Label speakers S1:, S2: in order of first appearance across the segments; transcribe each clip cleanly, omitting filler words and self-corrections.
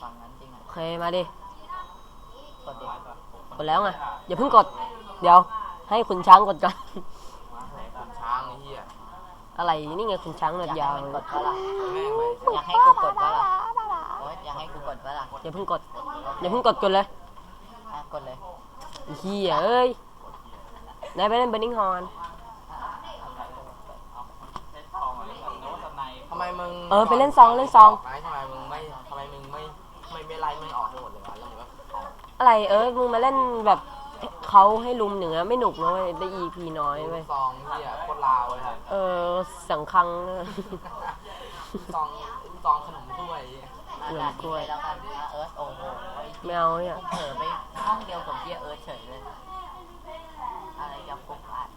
S1: ฟังงั้นจริงอ่ะ
S2: โอเคมาดิ
S1: กดดิ
S2: กดแล้วไงอย่าเพิ่งกดเดี๋ยวให้คุณช้างกดก่อน
S3: คุณช้างไอ้เหี้ย
S2: อะไรนี่ไงคุณช้างหนวดยาว
S1: กดปะล่ะ
S3: แม่งไป
S1: อยากให้กูกดปะล่ะโอ๊ยอยากให้กูกดปะล่ะ
S2: อย่าเพิ่งกดอย่าเพิ่งกดเลย
S1: กดเลย
S2: เฮียเอ้ยนายไปเล่นเบนนิงฮอน
S3: ทำไมมึง
S2: ไปเล่นซอง
S3: ทำไมมึงไม่ไล่มึงออกให้หมดเลยวะแล้วมึงก็
S2: อะไรมึงมาเล่นแบบเขาให้ลุมหนึ่งอะไม่หนุกนะเว้ยได้ EP น้อยเว้ย
S3: ซองเหี้ยโคตรลาวเลยครับ
S2: สังคัง
S3: ซองขนมถ้วย
S1: ด่านนี้แล้วกันเอิร์ธโอ้โห
S2: ไม่เอาเนี่ย
S1: กูเผลอไปห้องเดียวกับเหี้ยเอิร์ธเฉยเลยอะไรจะฟุกอ่าน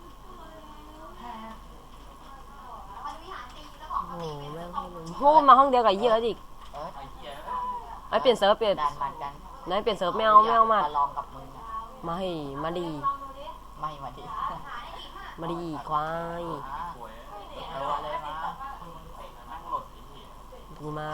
S2: โอ้โหแม่งให้ลุมพูดมาห้องเดียวกับเยอะอีก
S1: เอิร์ธ
S2: เปลี่ยนเซิร์ฟเปลี่ยน
S1: ด่านมันกัน
S2: นายเปลี่ยนเซิร์ฟไม่เอามา
S1: ลองกับมึงอ่ะ
S2: มาดี
S1: ไม่มาดิ
S2: มาดีควาย
S1: เลยมา
S2: ดูมา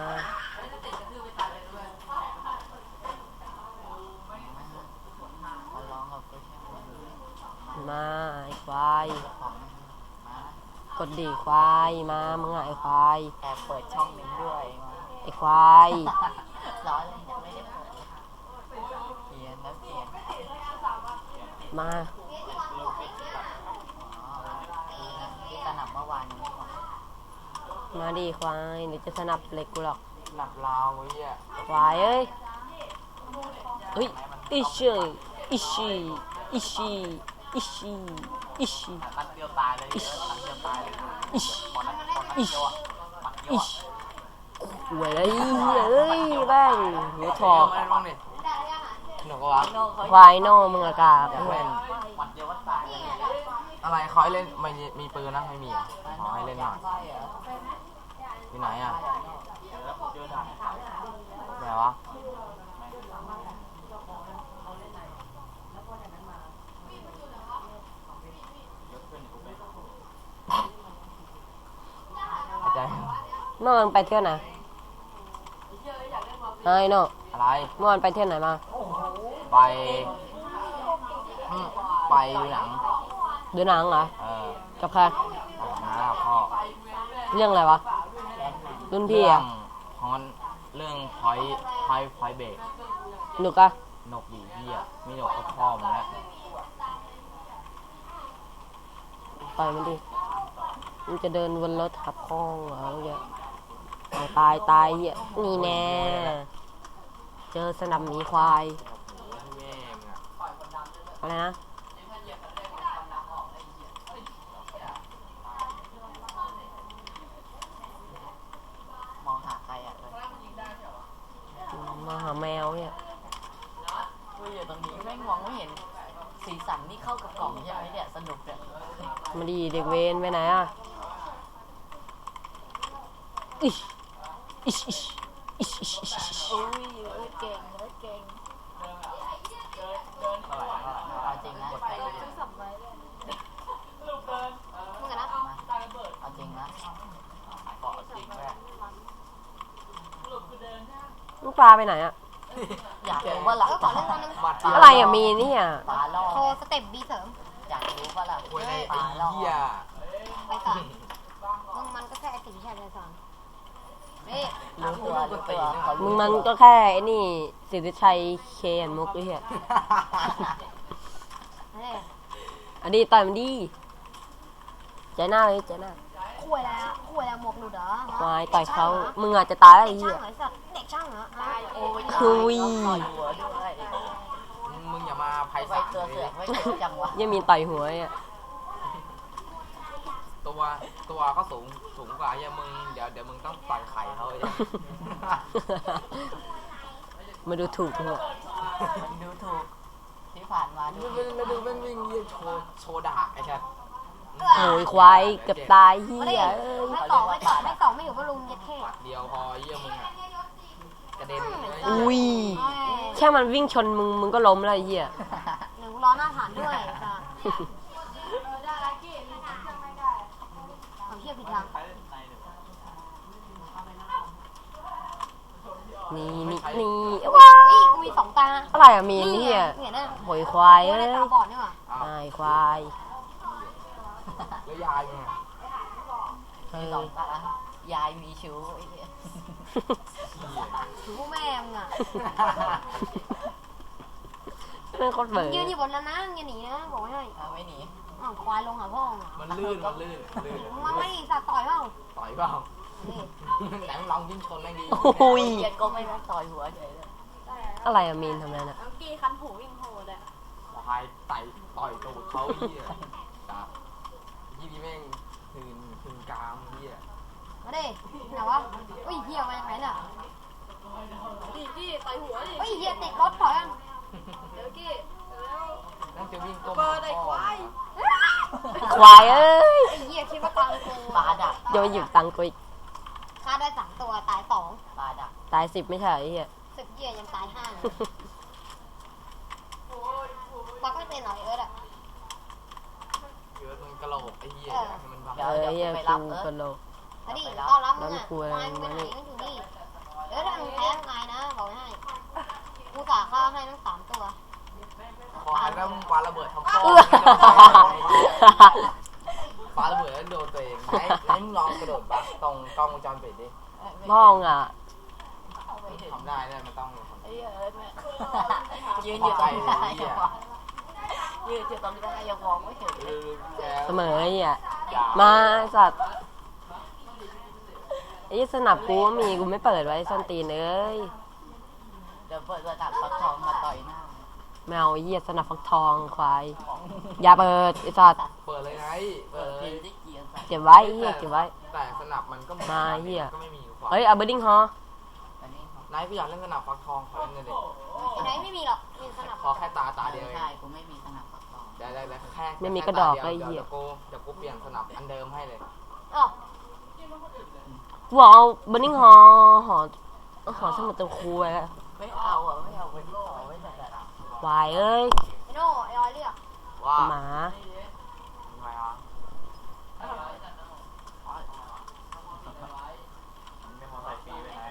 S1: ลองกับกูใช่ไหม
S2: มาไอ้ควาย
S1: ของมาก
S2: ดดีควายมามึงอะไอ้ควาย
S1: แอบเปิดช่องหนึ่งด้วยมา
S2: ไอ้ควาย
S1: ร้อนเลยยังไม่ได้เปิดเปลี่ยนแล้วเปลี่ยน
S2: มา
S1: ที่สนับเมื่อวานนี้ก่อน
S2: มาดีควายเดี๋ยวจะสนับเหล็กกูหรอก
S3: หนับลาวไอ้เหี้ย
S2: ควายเฮ้ยอิชิอิชิอิชิอิชิอิชิ
S3: นัดเดียวตายเลยนัดเดียวตายเลย
S2: อิชิ
S3: พอนัด
S2: อิ
S3: เดี
S2: ชิ
S3: ยวอ่ะนัดเดียว
S2: อิ
S3: อ่ะ
S2: ชิหวยเลยแม่งหัวทอก
S3: ไม่บ้างดิหนูก็วะ
S2: ควายโน่มึงอากาศ
S3: อยากเล่น
S1: มัดเดียวว่าตายเลย
S3: อะไรเขาให้เล่นไม่มีปืนนะไม่มีอ่ะขอให้เล่นหน่อยอยู่ไหนอ่ะไหนวะหายใจ
S2: เมื่อวานไปเที่ยวไหนไอ้โน่
S3: อะไร
S2: เมื่อวานไปเที่ยวไหนมา
S3: ไปไปดูหนัง
S2: ดูหนังเหรอ กับใคร
S3: น้าพ่อ
S2: เรื่องอะไรวะรุ่นพี่
S3: เรื่
S2: อะ
S3: ฮอนเรื่องพอยเบรก
S2: หนุกอะ
S3: นกดีเหี้ยมีนกก็พ่อมึงแล้ว
S2: ต่อยมันดิมันจะเดินวนรถขับคล้องเหรอเงี้ยเอาตายเหี้ยนี่แน่เจอสนับหมีควาย
S3: แม่มึงอ่ะ
S2: อะไรนะ
S1: มองหาใครอ่ะเลย
S2: มาหาแมวเนี่ย
S1: กูอยู่ตรงนี้แม่งมองไม่เห็นสีสันนี่เข้ากับกล่องใช่ไหมเนี่ยสนุกเนี่ย
S2: มาดีเด็กเวนไปไหนอะอิชอิชอิชอิชอิชอิชอิช
S1: อุ้ยเก่งเก่งเอาจริงนะ
S4: มึงกันนะ
S1: เอาจริงนะ
S3: เกาะจริงแม่
S2: ลูกปลาไปไหนอะ
S1: อยากรู้ว่าหลัก
S4: ขอเล่นตัวนึง
S3: บัดเดียว
S2: อะไรอะมีเนี่ย
S1: ปลาล่อ
S4: โชว์สเต็ปบีเสริม
S1: อยากรู้ว่าหลัก
S3: คุยใน
S1: ป
S3: ไอ้
S1: ลาล่อ
S3: เหี้ย
S4: ไปสอนมันก็แค่ไอติวิชัยไปสอนนี่
S1: รู้ตัวรู้ตัวเขา
S2: มึ
S1: รู้
S2: งมันก็แค่ไอ้นี่สิทธิชัยเคนมุกไอ้เหี้ย
S4: นี่
S2: อันนี้ต่อยมันดีใจหน้าเลยใจหน้า
S4: คุยแล้วหมวกหลุดเหรอ
S2: ควายต่อยเขามึงอาจจะตายแล้วไอ้
S4: เด็ก
S2: เหี้
S4: ช่าย งเหรอสัตว์เด็กช่างเหรอ
S1: โอ้ย
S2: คุย
S1: ต่อยหัวด้วย
S3: มึงอย่ามาไพ่
S1: ไว้
S3: สาม
S1: ตัวเสือกไว้เจ็บจังวะ
S2: ยังมีต่อยหัวอ่ะ
S3: ตัวเขาสูงกว่าเหี้ยมึงเดี๋ยวมึงต้องต่อยไข่เขาเลย
S2: มาดูถูกหัว
S1: มันดูถูกที่ผ่านมาดู
S3: แล้วดูแม่งวิ่งเยี่ยโชว์ด่าไอ้ชัด
S2: โอ้ยควายเกือบตายเหี้
S4: ไม่ได้
S2: ย
S4: ไม่ต่อไม่อยู่ก็ลุงยัดเท่
S3: ปัดเดียวพอเยี่ยมึงอ่ะกระเด็นเลย
S2: อุ้ยแค่มันวิ่งชนมึงก็ล้มแล้วไอ้เหี้ย
S4: หนึ่งล้อหน้าฐานด้วยจ้ะเอาเทียบผิดทาง
S2: นี่
S4: เฮ้ยกูมีสองตา
S2: อะไรอะมีน
S4: นี่
S2: เนี่ย
S4: เนี่ยนะ
S2: หอยควาย
S4: กู
S2: เอ้
S4: ได้
S2: ย
S4: ตาบอดนี่หว่า
S2: ไอ้ควาย
S3: แล้วยายไง
S2: เอ
S1: มี
S2: อ
S1: สองตายายมีชู้ไอ้เหี้ย
S4: ถือพวกแม่มึงอ่ะ
S2: เรื่องโคตรเบื่อ
S4: ยืนอยู่บนนั้นนะอย่าหนีนะบอกไว้ให้
S1: เอาไม่หนี
S4: อ้าวควายลงหาพ่อมึงอ่ะ
S3: มันลื่นลื่น
S4: มึงมาไม่สัตว์ต่อยเปล่า
S3: ต่อยเปล่า
S4: นี่
S3: ไหนมึงลองยิงชนแม่งดี
S2: โอ้ย
S1: เกลียดก็ไม่ได้ต่อยหัวเฉยเลย
S2: อะไรอะมีนทำอะไรน่ะ
S4: กี้คันหูวิ่งโหดอ่ะ
S3: ควายไต่ต่อยตูดเขาเหี้ยจ้ะยี่นี่แม่งถึงกลางเหี้ย
S4: มาดิไหนวะอุ้ยเหี้ยมาจากไหนเนี่ย
S5: กี้ต่อยหัวดิ
S4: อุ้ยเหี้ยติดรถถอยอ่ะ
S5: เดี๋ยวกี้เร็ว
S3: นั่งจะวิ่งก้ม
S5: เปิดไอ้ควาย
S2: ควายเอ้ย
S4: ไอ้เหี้ยคิดว่าตังกู
S1: ปลาดัก
S2: โยนหยิบตังค์กูอีก
S4: ฆ่าได้3ตัวตาย2
S1: ปลาดัก
S2: ตาย10ไม่ใช่ไอ้เหี้ย
S4: สึกเหี้ยยังตาย5เลยปักไม่เป็นหรอเอิร์ดอ่ะ
S3: เยอะมันกระโหลกไอ้เหี้ยให้มันบัง
S2: เออไอ้เหี้ยกูกระโหลก
S4: มาดิต้อนรับมึงอ่ะ
S2: น้ำกลัว
S4: ควายมึงไปไหนมึงอยู่นี่เอิร์ดถ้ามึงแพ้มึงอายนะบอกไว้ให้กูจ่าข้าวให้ทั้ง3ตัว
S3: ขอให้แล้วมึงปาระเบิดทำพ่อ
S2: เอื้อ
S3: ปาระเบิดแล้วโดนตัวเองไหนมึงลองกระโดดบักตรงกล้องวงจรปิดดิ
S2: ห้องอ่ะ
S3: ทำได้มันต้อง
S1: ไอ้เหี้ยเอิร์ธเนี่ยยืนอยู่ตรงหน้ายังมองยืนอยู่ตรงหน้ายังมองไม่เห็นเลย
S2: เสมอไอ้เหี้ยมาสัตว์ไอ้สนับกูก็มีกูไม่เปิดไว้ส้นตีนเอ้ย
S1: เดี๋ยวเปิดระดับฟักทองมาต่อยหน้า
S2: แมวไอ้เหี้ยสนับฟักทองควายอย่าเปิดไอ้สัตว์
S3: เปิดเลยไงเปิ
S1: เปิ
S3: ด
S1: ด
S3: เล
S1: ที
S3: ย
S1: ที่เกียร์ใส่
S2: เก็บไว้ไอ้เหี้ยเก็บไว้
S3: แต่สนับมันก็
S2: มาเหี้ย
S3: ก็ไม่มีความ
S2: เฮ้ยเอาเบอร์ดิ้งฮอ
S1: อันนี้
S3: นายกูอยากเล่นสนับฟักทองขอเล่นเลยดิ
S4: ไอ้ไหนไม่มีหรอกมีสนับ
S3: ขอแค่ตาเดียวเอง
S1: ใช่กูไม่มีสนับฟักทอง
S3: ได้แค่
S2: ไม่มีกระดอก
S3: แค่
S2: ไอ้
S3: ตา
S2: เหี้ย
S3: เดี๋ยวกูเปลี่ยนสนับอันเดิมให้เลย
S4: อ๋อ
S2: กูบอกเอาเบอร์ดิ้งฮอหอสมุดตะคูไว้อะ
S1: ไม่เอาอ่ะไม่เอาไปต่อไม่ได้อะ
S2: วายเอ้ย
S4: ไอ้โน่ไอ้ออยเรียก
S3: ว่า
S2: หมา
S3: ทำไมอ่ะไม่พอใส่ฟรีไปไหน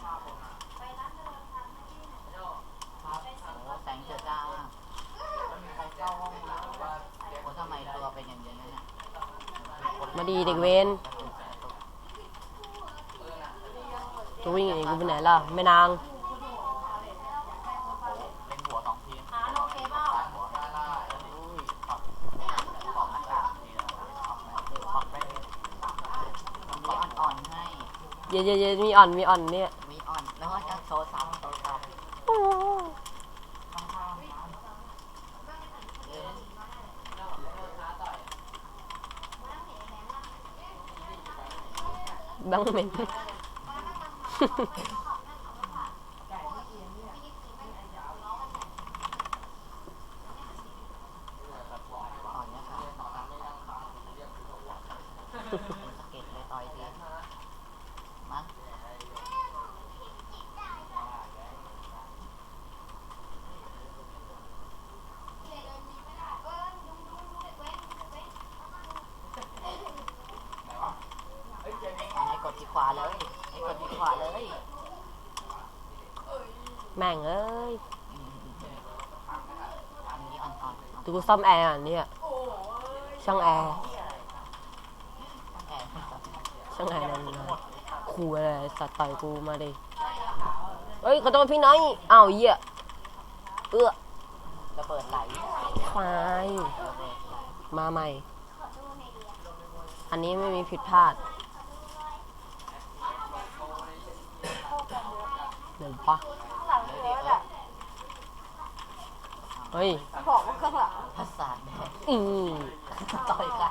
S1: โอ้แสงเจิดจ้ามากใครเข้าห้องน้ำว่าโอ้ทำไมตัวเป็นอย่างนี้เนี่ย
S2: มาดีเด็กเวนจะวิ่งอย่างนี้กูไปไหนล่ะแม่นาง
S3: เป็นหัวสองทีม
S4: หาโนเคเปล่า
S3: หัวได้อุ้ย
S1: ของหน้ากากนี่ปักไปมีอ่อนๆให้
S2: เย็นมีอ่อนเนี่ย
S1: มีอ่อนแล้วก็จะโชว์ซ้ำ
S2: บังเหม็น
S1: อ่อนเนี่ยค่ะสะเก็ดเลยต่อยทีมั้ง ให้กดที่ขวาเลยให้กดที่ขวาเลย
S2: แม่งเอ้ย
S1: อันนี้อ่อนๆ
S2: ดูกูซ่อมแอร์อ่ะเนี่ยช่างแอร์
S1: แอบ
S2: ช่างแอร์นั่นนะขู่อะไรสัตว์ต่อยกูมาดิเฮ้ยขอโทษพี่น้อยอ้าวเหี้ยเอื้อ
S1: ระเบิดไหล
S2: ควาย
S1: ระเบิดไหล
S2: มาใหม่ อันนี้ไม่มีผิดพลาดเดี๋ยวปะ
S4: หลังเอิร์ดอ่ะ
S2: เฮ้ย
S4: บอกว่าข้างหลัง
S1: ประสาทแดง
S2: อือ
S1: ต่อยใคร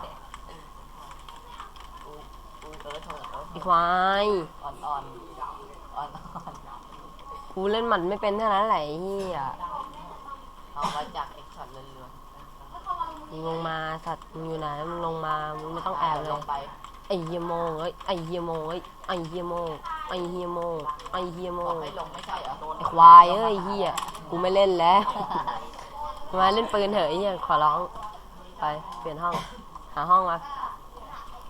S1: อุ้ยเออโถ
S2: ไอ้ควาย
S1: อ่อนๆอ่อน
S2: กูเล่นหมันไม่เป็นเท่านั้นแหละไอ้เฮีย
S1: ๆเอามาจากเอ็กช็อตเรือน
S2: มึงลงมาสัตว์มึงอยู่ไหนมึงลงมามึงไม่ต้อง
S1: ๆ
S2: แอบเล
S1: ล
S2: ย
S1: งไป
S2: ไอ้เฮียโมงเอ้ยไอ้เฮียโมงเอ้ยไอ้เฮียโมงไอ้เฮียโมงไอ้เฮียโม
S1: บอก
S2: ง
S1: ให้ลงไม่ใช่เหรอ
S2: ไอ้ควายเอ้ยเฮียกูไม่เล่นแล้วมาเล่นปืนเถอะไอ้เฮียขอร้องไปเปลี่ยนห้องหาห้องมา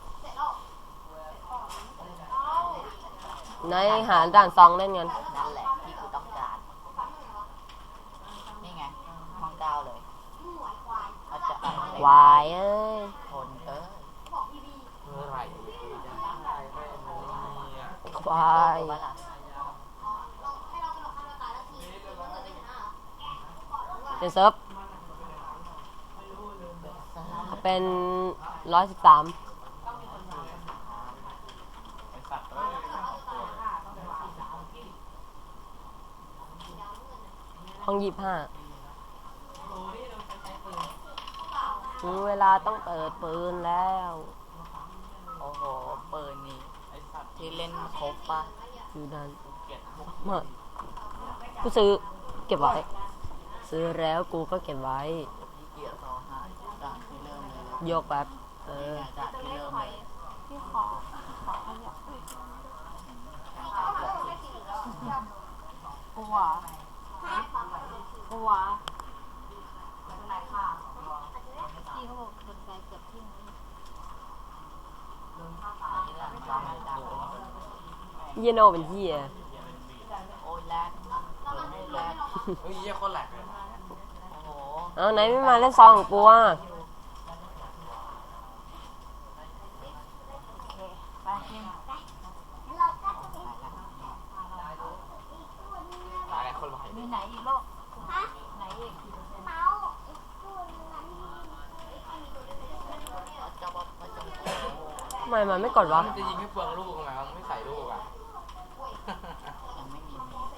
S2: ไหนหาด่านซองเล่นกัน
S1: นั่นแหละ
S2: ควายเอ้ย
S1: คนเอ้ย
S3: เมื่อไหร่กูจะได้แม่มึงเนี่ย
S2: ควาย
S1: ตัวละ
S2: เป็นเซิร์ฟเขาเป็น113 ห้อง25ถึงเวลาต้องเปิดปืนแล้ว
S1: โอ้โหปืนนี่ที่เล่นครบปะ
S2: อยู่นั่นไม่กูซื้อเก็บไว้ ซื้อแล้วกูก็เก็บไว้
S1: ที่เกียร์ต่อหาจากที่เริ่มเลย
S2: โยกแบบ
S1: จากที่เริ่มเลย
S5: พี่ขอขยับกลัวกลัว
S4: พี่เขาบอกคนไกลเกือบทิ้ง
S2: เยโนเป็นเฮีย
S1: โอ้ยแรกแรก
S3: เฮ้ยเหี้ยคนแหลกเลย
S1: โอ้โห
S2: เอาไหนไม่มาเล่นซองของกูอ่ะ
S5: ไปกิน
S3: ตายแล้วคนไหว
S5: มีไหนอีกลูกไหนอีก
S1: จะบอกว่าจะ
S2: ทำไมมันไม่กดวะ
S3: มันจะยิงให้เปลืองลูกไงมันไม่ใส่ลูกอ่ะ
S1: ยังไม่มี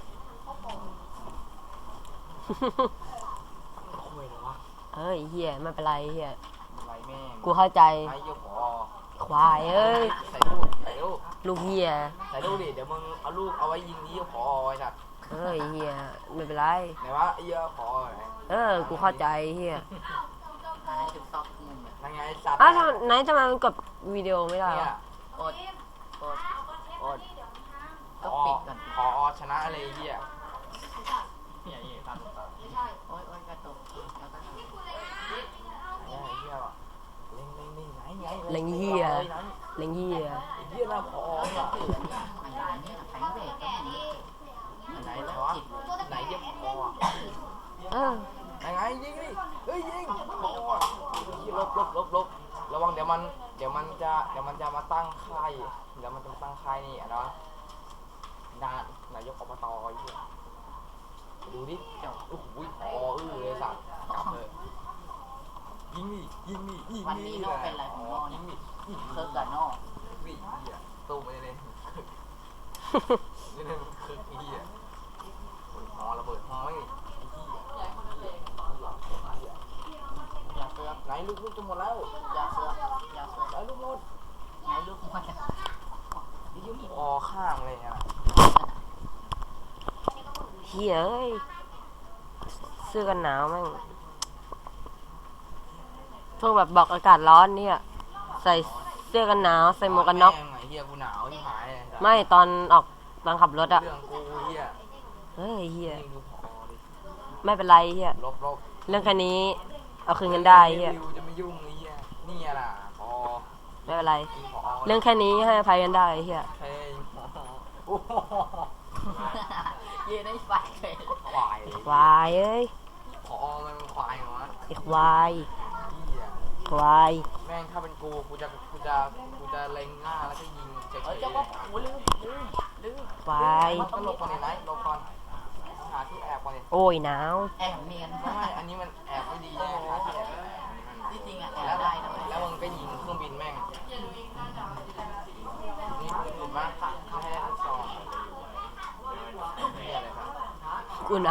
S3: คุยเลยวะ
S2: เอ้ยเฮียไม่เป็นไรเฮีย
S3: ไรแม่ง
S2: กูเข้าใจ
S3: ไอ้เหี้ยขอ
S2: ควายเอ้ย
S3: ใส่ลูกใส่ลูก
S2: ลูกเฮีย
S3: ใส่ลูกดิเดี๋ยวมึงเอาลูกเอาไว้ยิงที่ขอไว้สัตว์
S2: เอ้ยเฮียไม่เป็นไร
S3: ไหนวะไอ้เหี้ยขอไหน
S2: กูเข้าใจเฮีย
S1: หาจุดซอกมุมแบบ
S3: ยังไงสัตว์
S2: อ้าวไหนทำไมมันกดวิดีโอไม่ได้
S3: เนี่
S2: วะ
S3: ย
S1: อดอดอด
S3: ข
S1: ก็
S3: อ
S1: ปิดก่อน
S3: ขอชนะอะไรเหี้ยเนี่ยตามตา
S1: โอ้ยโอ้ยกระตุกแล้วก็
S3: ไอ้เหี้ยว่ะเล่งไหน
S2: เล็งเฮียเล็งเฮีย
S3: ไอ้เหี้ยน่าพอ
S1: โอ้ย
S3: อ่ะ
S1: ถืออันนี้แข็งเบรกก็มี
S3: ไหนวะไหนเหี้ยพออ่ะ
S2: เออ
S3: ยังไงยิงดิเฮ้ยยิงพออ่ะลบระวังเดี๋ยวมันจะมาตั้งค่ายเดี๋ยวมันจะมาตั้งค่ายนี่นะนายกอบตไอ้เหี้ยดูดิโอ้โหพอเลยสัตว์จับเลยยิงดิ
S1: วันนี้โน่เป็นไรของโน่
S3: ยิ
S1: เนี่ย
S3: งดิ
S1: เคิร์กกับโน่
S3: วิ่งเหี้ยตู้ไปเลยนี่มันคือไอ้เหี้ยหอระเบิดหอไม่ไอ้เหี้ย
S1: อย่าเสือก
S3: ไหนลูกจะหมดแล้ว
S1: อย่าเสือกอย่าเสือก
S3: ไหนลูกหมด
S1: ไหนลูกมัน
S3: อ๋อข้างเลยอ่ะ
S2: เฮียเอ้ยเสื้อกันหนาวแม่งพวกแบบบอกอากาศร้อนเนี่ยใส่เสื้อกันหนาวใส่หมวกกันน็อก
S3: ไอ้เหี้ยกูหนาวที่หายเลย
S2: ไม่ตอนออกตอนขับรถอะ
S3: เรื่องกูเหี้ย
S2: เฮ้ยเฮีย
S3: ยิงดูพอดิ
S2: ไม่เป็นไรเฮีย
S3: ลบ
S2: เรื่องแค่นี้เอาคืนกันได้เฮีย
S3: วิวจะไม่ยุ่งไอ้เหี้ยนี่ล่ะพอ
S2: ไม่เป็นไร
S3: ยิงพอ
S2: เรื่องแค่นี้ให้อภัยกันได้เฮีย
S3: เพลงโอ้โห
S1: ยืนได้ไฟเลย
S3: ควายเลย
S2: ควายเอ้ย
S3: พอมันเป็นควายเหรอวะ
S2: ไอ้ควาย
S3: เหี้ย
S2: ควาย
S3: แม่งถ้าเป็นกูจะเล็งหน้าแล้วก็ยิงเฉย
S1: เฮ้ยจะบอกโอ้ลืม
S2: ควาย
S3: มันต้องหลบก่อนดิไหนหลบก่อนหาที่แอบก่อนดิ
S2: โอ้ยหนาว
S1: แอบเนียน
S3: ไม่อันนี้มันแอบไม่ดีแน่หาที่แอบ
S1: ที่จริงอ่ะแอ
S3: แล้
S1: บ
S3: ว
S1: ได้นะ
S3: แล้วมึงก็ยิงเครื่องบินแม่งนี่ถูกปะไม่ให้ลูกซองนี่อะไรครับ
S2: กูหนาว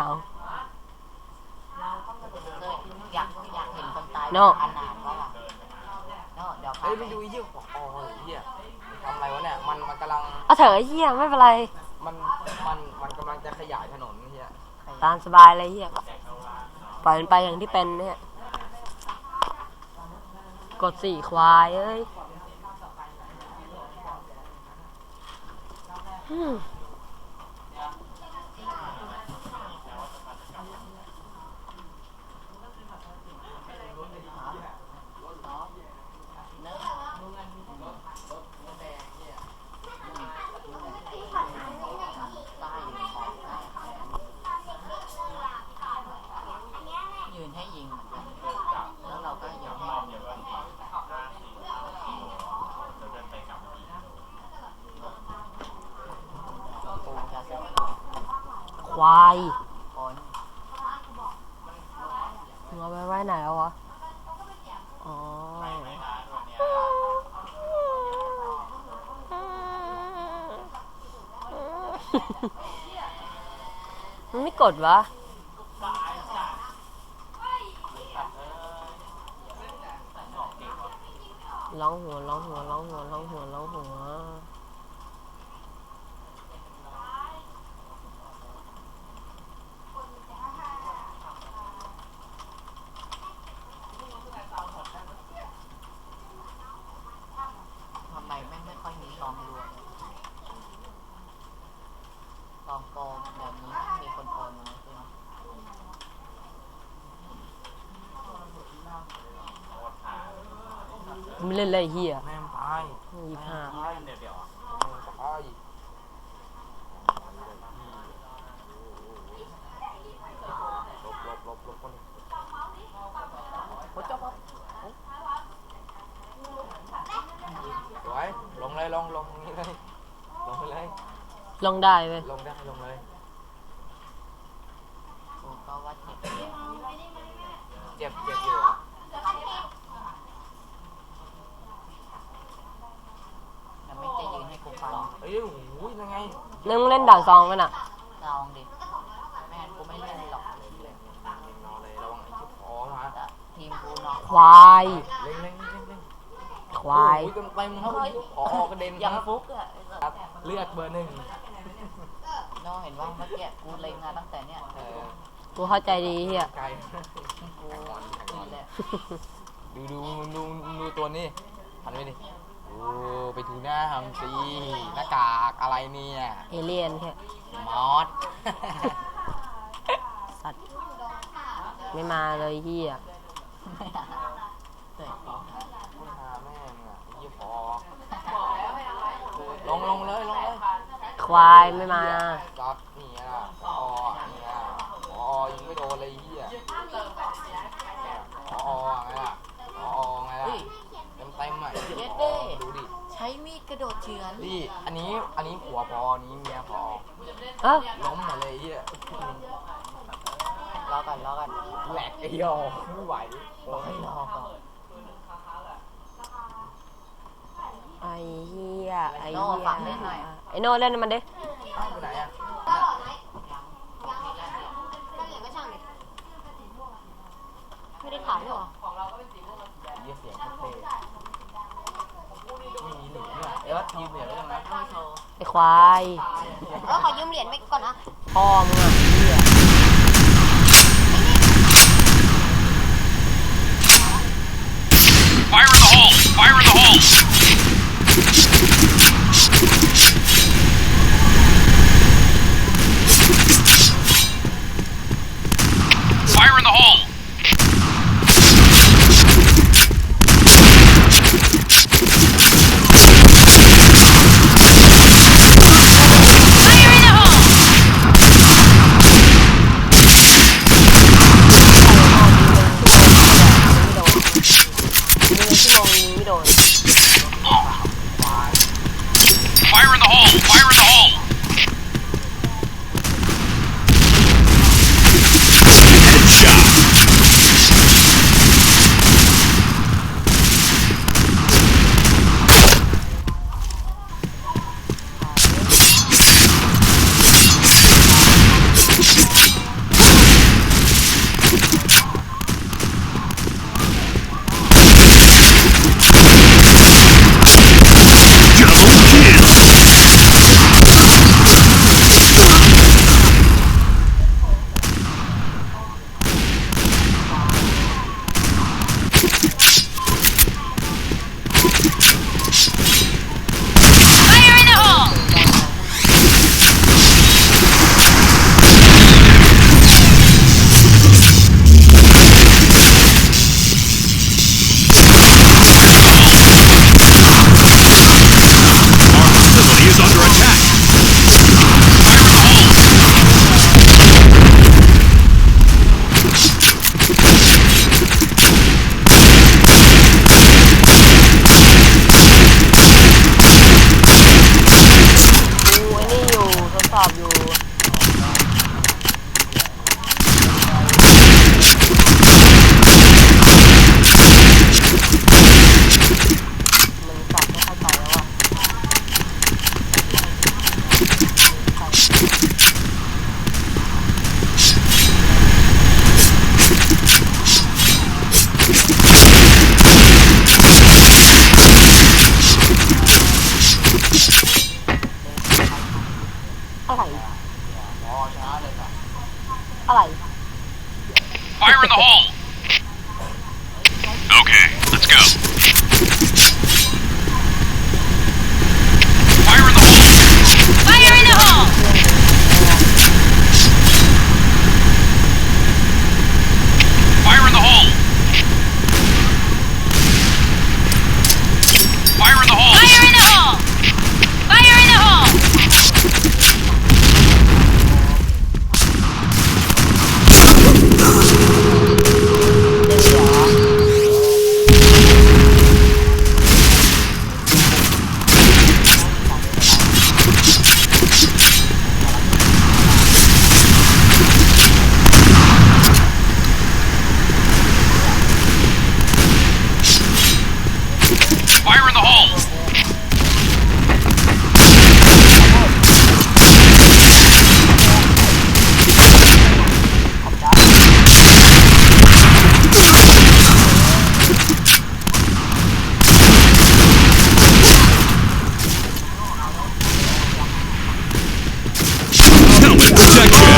S1: อยากเห็นคนตาย
S2: โน่
S1: อันนานก็ล่ะโน่เดี๋ยวพา
S3: เฮ้ย
S1: ไป
S3: ไปดูไอ้เหี้ยอ๋อไอ้เหี้ยมันทำอะไรวะเนี่ยมันกำลัง
S2: เอาเถอะไอ้เฮียไม่เป็นไร
S3: มันกำลังจะขยายถนนไอ้เหี้ย
S2: ตามสบายเลยเฮียปล่อยมันไปอย่างที่เป็นเนี่ยกดสี่ควายเอ้ยอืม
S1: ยืนให้ยิงเหมือนกันแล้วเราก็ยืนให้จะเสร็จ
S2: ควาย
S1: คน
S2: มึงเอาไปไว้ไหนแล้ววะ อ๋อ มันไม่กดวะ ร้องหัวร้องหัวร้องหัวร้องหัวร้องหัว
S1: ทำไมแม่งไม่ค่อยมีซองรวมซองโกงแบบนี้มีคนโกงไหมใช่ไหม
S2: ไม่เล่นเลยเฮีย
S3: แม่งตาย
S2: 25
S3: ตายเดี๋ยวตายลบคนหัวเจ้าปั๊บสวยลงเลยลงนี่เลยลงไปเลย
S2: ลงได้เว้ย
S3: ลงได้ลงเลย
S1: กูก็ว่าเจ็บเจ็บ
S3: เจ็บอยู่เหรอ
S1: มันไม่จะยืนให้กูฟัง
S3: เอ้ยโอ้ยยังไง
S2: นึกมึงเล่นด่านซองกันอ่ะ
S1: ลองดิแม่งั้นกูไม่เล่นหรอก
S3: นอนเลยระวังไอ้ที่คอมา
S1: แต่ทีมกูนอน
S2: ควาย
S3: เล่น
S2: ควาย
S3: โอ้ยเต็มเต็มครับคอกระเด็น
S1: ยัง
S3: ครับ
S1: ฟุกอ่ะ
S3: ครับเลือดเบอร์ 1
S1: น้องเห็นว่าเมื่อกี้กูเล็งมาตั้งแต่เนี้ย
S2: กูเข้าใจดีเฮีย
S3: ไกล
S1: กูนี่แหละ
S3: ดูตัวนี้หันไปดิโอ้ไปทูหน้าทำซีหน้ากากอะไรเนี่ย
S2: เอเลี่ยนแค่
S3: มอส
S2: สัตว์ ไม่มาเลยเฮีย
S1: เตะกู
S3: ไม่หาแม่งอ่ะยี่พอลงเลย
S2: ควายไม่มา
S3: จับนี่อ่ะนี่อ่ะยังไม่โดนเลยเฮียไงล่ะเต็มอ่ะดูดิ
S1: ใช้มีดกระโดดเฉือน
S3: นี่อันนี้ผัวพอนี้เมียพอ
S2: เอ้า
S3: ล้มมาเลยเฮีย
S1: รอกัน
S3: แหลกไอ้ยอไม่ไหว
S1: บอกให้รอก่อน
S2: ไอ้เฮียไอ้
S1: โน่
S2: เฮีย
S1: ฟังเล่นหน่อย
S2: ไอ้โน่เล่นมันดิ
S3: ไปไหนอ่ะ
S4: ก็หล่อไหมถ้าเหลือก็ช่างดิไม่ได้ถามด้วยเหรอ
S3: เยี่ยเสียงเท่ไม่มีหนึ่งเนี่ยเออทีมเหลือแล้วนะ
S1: ไม่โชว์
S2: ไอ้ควาย
S4: ขอยืมเหรียญไปก่อนนะ
S2: พ่อมึงอ่ะเฮีย
S6: Fire in the hole! Fire in the hole! Fire in the hole!
S3: ชนะเลยนะ
S2: อะไร
S6: Fire in the hole! Okay, let's go. Fire in the hole! Fire in the hole! Fire in the hole! Fire in the hole! Fire in the hole! Fire in the hole! Fire in the hole! Helmet protection!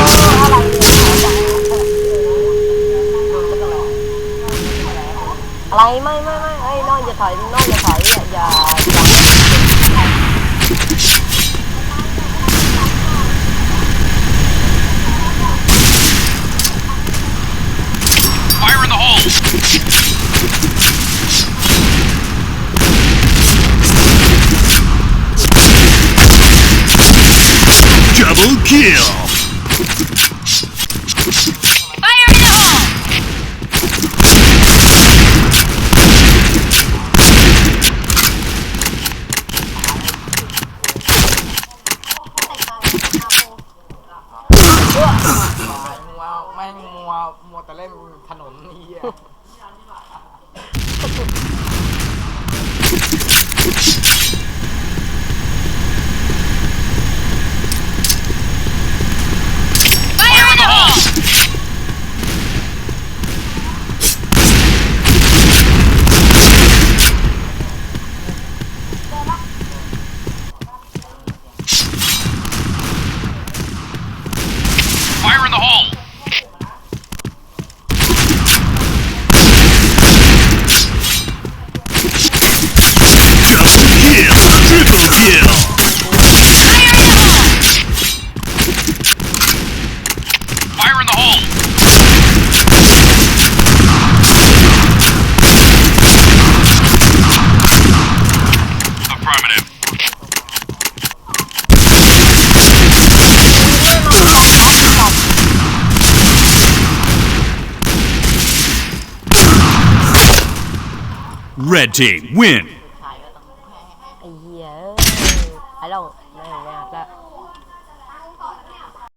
S2: อะไรไม่เอ้ยน้องอย่าถอยอย่า
S6: Fire in the hole! Double kill! Fire in the hole!
S3: มัวแต่เล่นถนนนี่อ่ะ
S6: Fire in the hole! Fire in the hole! Triple kill! Fire in the hole! Affirmative. Red team win.